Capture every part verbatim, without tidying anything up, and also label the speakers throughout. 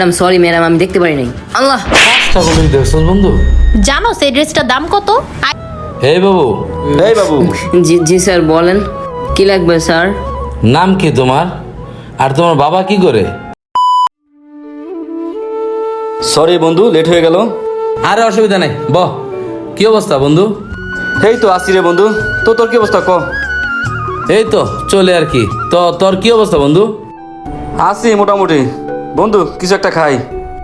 Speaker 1: Madam sorry madam আমি দেখতে পারি নাই। আল্লাহ
Speaker 2: সকলেই দেখছস বন্ধু।
Speaker 3: জানো সেই ড্রেসটার দাম কত?
Speaker 2: এই বাবু,
Speaker 4: এই বাবু,
Speaker 1: জি জি স্যার বলেন কি লাগবে স্যার?
Speaker 2: নাম কি তোমার? আর তোমার বাবা কি করে?
Speaker 4: সরি বন্ধু, লেট হয়ে গেল।
Speaker 2: আরে অসুবিধা নাই, বহ। কি অবস্থা বন্ধু?
Speaker 4: এই তো আসি রে বন্ধু। তো তোর কি অবস্থা ক?
Speaker 2: এই তো চলে আর কি। তো তোর কি অবস্থা বন্ধু?
Speaker 4: আসি মোটামুটি। বন্ধু কিছু একটা খাই।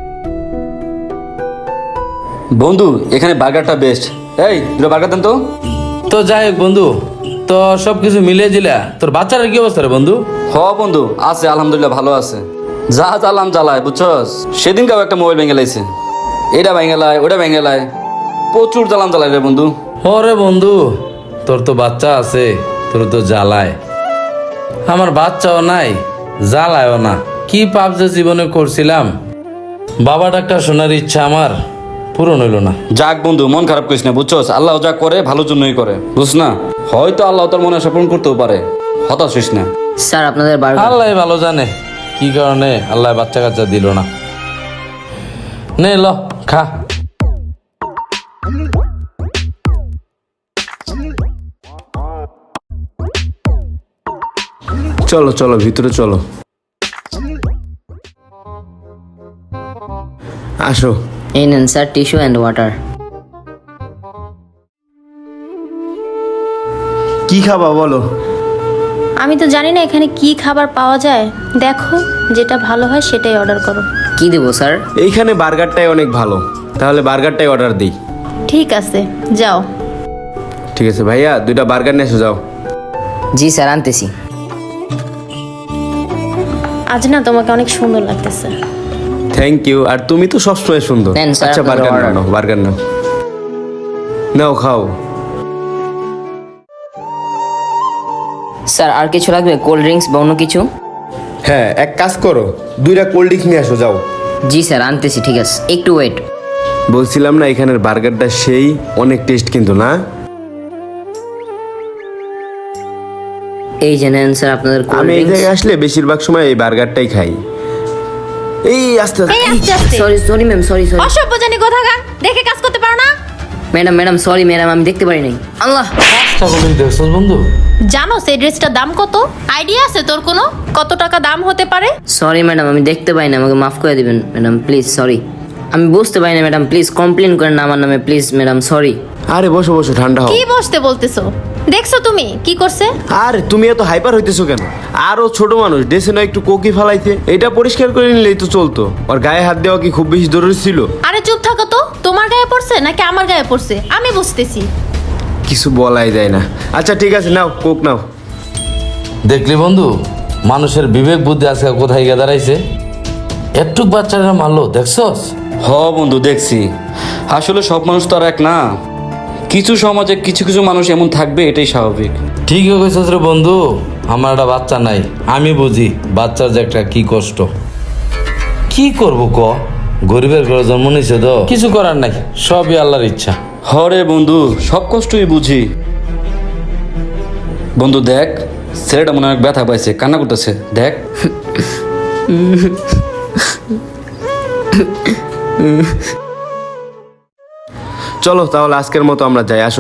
Speaker 4: বন্ধু এখানে বার্গারটা বেস্ট। এই দুটো বার্গার দেন তো।
Speaker 2: তো যাই হোক বন্ধু, তো সব কিছু মিলিয়ে দিলা। তোর বাচ্চার কি অবস্থা রে বন্ধু?
Speaker 4: হ বন্ধু আছে, আলহামদুলিল্লাহ ভালো আছে। যা জ্বালাম জ্বালায় বুঝছস। সেদিন কাউ একটা মোবাইল ভেঙে লাইছে, এটা ভেঙে লাই ওটা ভেঙে লাই, প্রচুর জ্বালাম জ্বালায় রে বন্ধু।
Speaker 2: ওরে বন্ধু, তোর তো বাচ্চা আছে, তোর তো জ্বালায়। আমার বাচ্চাও নাই, জ্বালায়ও না। কি পাপ যে জীবনে করছিলাম, বাবা ডাক্তার শোনার ইচ্ছা আমার পূরণ হইল না।
Speaker 4: যাক বন্ধু মন খারাপ করিস না বুঝছস। আল্লাহ যা করে ভালোর জন্যই করে, বুঝ না। হয়তো আল্লাহ তোর মনে আশা পূরণ করতেও পারে, হতাশ হইস না।
Speaker 1: স্যার আপনাদের বার্গার।
Speaker 2: আল্লাহ ভালো জানে কি কারণে আল্লাহ বাচ্চা কাচ্চা দিল না। নে ল খা।
Speaker 5: চলো চলো ভিতরে চলো, আসো।
Speaker 1: এই নেন স্যার টিস্যু অ্যান্ড ওয়াটার।
Speaker 5: কি খাবা বলো?
Speaker 3: আমি তো জানি না এখানে কি খাবার পাওয়া যায়। দেখো যেটা ভালো হয় সেটাই অর্ডার করো।
Speaker 1: কি দেবো স্যার?
Speaker 5: এইখানে বার্গারটাই অনেক ভালো, তাহলে বার্গারটাই অর্ডার দিই।
Speaker 3: ঠিক আছে যাও।
Speaker 5: ঠিক আছে ভাইয়া, দুইটা বার্গার নিয়ে এসো যাও।
Speaker 1: জি স্যার আনতেছি।
Speaker 3: আজ না তোমাকে অনেক সুন্দর লাগতেছে।
Speaker 5: Thank you. আর তুমি তো সবসময় সুন্দর।
Speaker 1: নেন স্যার,
Speaker 5: আচ্ছা
Speaker 1: আপনার
Speaker 5: বার্গার
Speaker 1: order।
Speaker 5: নাও, বার্গার নাও, নাও খাও।
Speaker 1: স্যার আর কিছু লাগবে? কোল্ড ড্রিঙ্কস বা অন্য কিছু?
Speaker 5: হ্যাঁ এক কাজ করো, দুইটা কোল্ড ড্রিঙ্কস নিয়ে আসো যাও।
Speaker 1: জি স্যার আনতেছি। ঠিক আছে একটু ওয়েট।
Speaker 5: বলছিলাম না এখানের বার্গারটা সেই অনেক টেস্ট কিন্তু না।
Speaker 1: এই যে নেন স্যার আপনাদের কোল্ড
Speaker 5: আমি এই
Speaker 1: ড্রিঙ্কস।
Speaker 5: জায়গায় আসলে বেশিরভাগ সময় এই বার্গারটাই খাই। এই আস্তে
Speaker 3: এই আস্তে আস্তে।
Speaker 1: Sorry sorry ma'am sorry sorry.
Speaker 3: অসভ্য জানি কোথাকার, দেখে কাজ করতে পারো না?
Speaker 1: ম্যাডাম ম্যাডাম সরি ম্যাডাম আমি দেখতে পারি নাই। আল্লাহ
Speaker 2: সকলেই দেখছস বন্ধু।
Speaker 3: জানো সেই ড্রেসটার দাম কত? আইডিয়া আছে তোর কোনো? কত টাকা দাম হতে পারে?
Speaker 1: সরি ম্যাডাম আমি দেখতে পাই না, আমাকে মাফ করে দিবেন ম্যাডাম প্লিজ। সরি আমি বুঝতে পারি না ম্যাডাম, প্লিজ কমপ্লেন করেন না আমার নামে প্লিজ ম্যাডাম সরি।
Speaker 5: আরে বসো বসো, ঠান্ডা হও।
Speaker 3: কি বসতে বলতেছো? দেখছো তুমি কি করছে?
Speaker 5: আরে তুমি এত হাইপার হইতেছো কেন? আরো ছোট মানুষ ডেসে না একটু কোকি ফালাইতে, এটা পরিষ্কার করে নিলেই তো চলতো। ওর গায়ে হাত দেওয়া কি খুব বেশি জরুরি ছিল?
Speaker 3: আরে চুপ থাকো তো। তোমার গায়ে পড়ছে নাকি আমার গায়ে পড়ছে আমি বুঝতেছি।
Speaker 5: কিছু বলাই যায় না। আচ্ছা ঠিক আছে নাও কোক নাও।
Speaker 2: দেখলি বন্ধু, মানুষের বিবেক বুদ্ধি আজকে কোথায় গিয়ে দাঁড়াইছে। একটুক বাচ্চারা মারলো, দেখছস?
Speaker 4: হ বন্ধু দেখছি। আসলে সব মানুষ তো আর এক না। কিছু সমাজে কিছু কিছু মানুষ এমন থাকবে, এটাই স্বাভাবিক।
Speaker 2: ঠিকই কইছস রে বন্ধু। আমার একটা বাচ্চা নাই, আমি বুঝি বাচ্চার যে একটা কি কষ্ট। কি করব ক, গরিবের ঘরে জন্ম নিছে তো কিছু করার নাই, সবই আল্লাহর ইচ্ছা।
Speaker 4: হরে বন্ধু সব কষ্টই বুঝি। বন্ধু দেখ, ছেলেটা মনে হয় ব্যথা পাইছে, কান্না করতেছে দেখ।
Speaker 5: চলো তাহলে আজকের মতো আমরা যাই, আসো।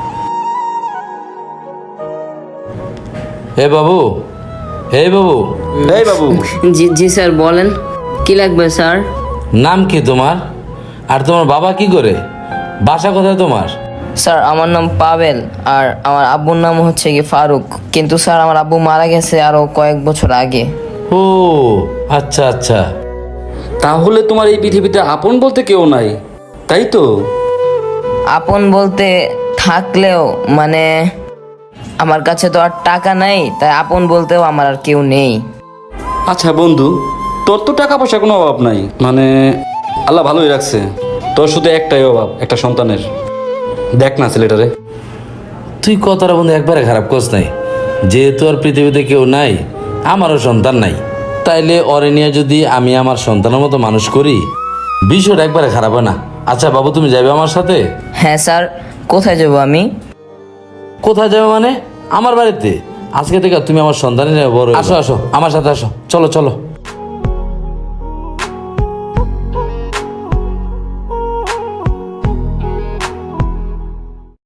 Speaker 2: হে বাবু, হে বাবু,
Speaker 4: এই বাবু,
Speaker 1: জি জি স্যার বলেন কি লাগবে স্যার?
Speaker 2: নাম কি তোমার? আর তোমার বাবা কি করে? বাসা কোথায় তোমার?
Speaker 1: স্যার আমার নাম পাবেল আর আমার আব্বুর নাম হচ্ছে কি ফারুক, কিন্তু স্যার আমার আব্বু মারা গেছে আরো কয়েক বছর আগে।
Speaker 2: ও আচ্ছা আচ্ছা।
Speaker 4: তাহলে তোমার এই পৃথিবীতে আপন বলতে কেউ নাই, তাই তো?
Speaker 1: আপন বলতে থাকলেও মানে আমার কাছে তো আর টাকা নাই, তাই আপন বলতেও আমার আর কেউ নেই।
Speaker 4: আচ্ছা বন্ধু, তোর তো টাকা পয়সা কোনো অভাব নাই, মানে আল্লাহ ভালোই রাখছে। তোর শুধু একটাই অভাব, একটা সন্তানের। দেখ না ছেলেটারে।
Speaker 2: তুই কথাটা বন্ধু একবারে খারাপ করছ নাই। যেহেতু আর পৃথিবীতে কেউ নাই, আমারও সন্তান নাই, তাইলে অরে নিয়ে যদি আমি আমার সন্তানের মতো মানুষ করি, বিষয়টা একবারে খারাপ হয় না। আচ্ছা বাবু তুমি যাবে আমার সাথে?
Speaker 1: হ্যাঁ স্যার কোথায় যাবো আমি?
Speaker 2: কোথায় যাবে মানে? আমার বাড়িতে। আজকে থেকে তুমি আমার সন্তানের বড়। আসো আসো আমার সাথে আসো, চলো চলো।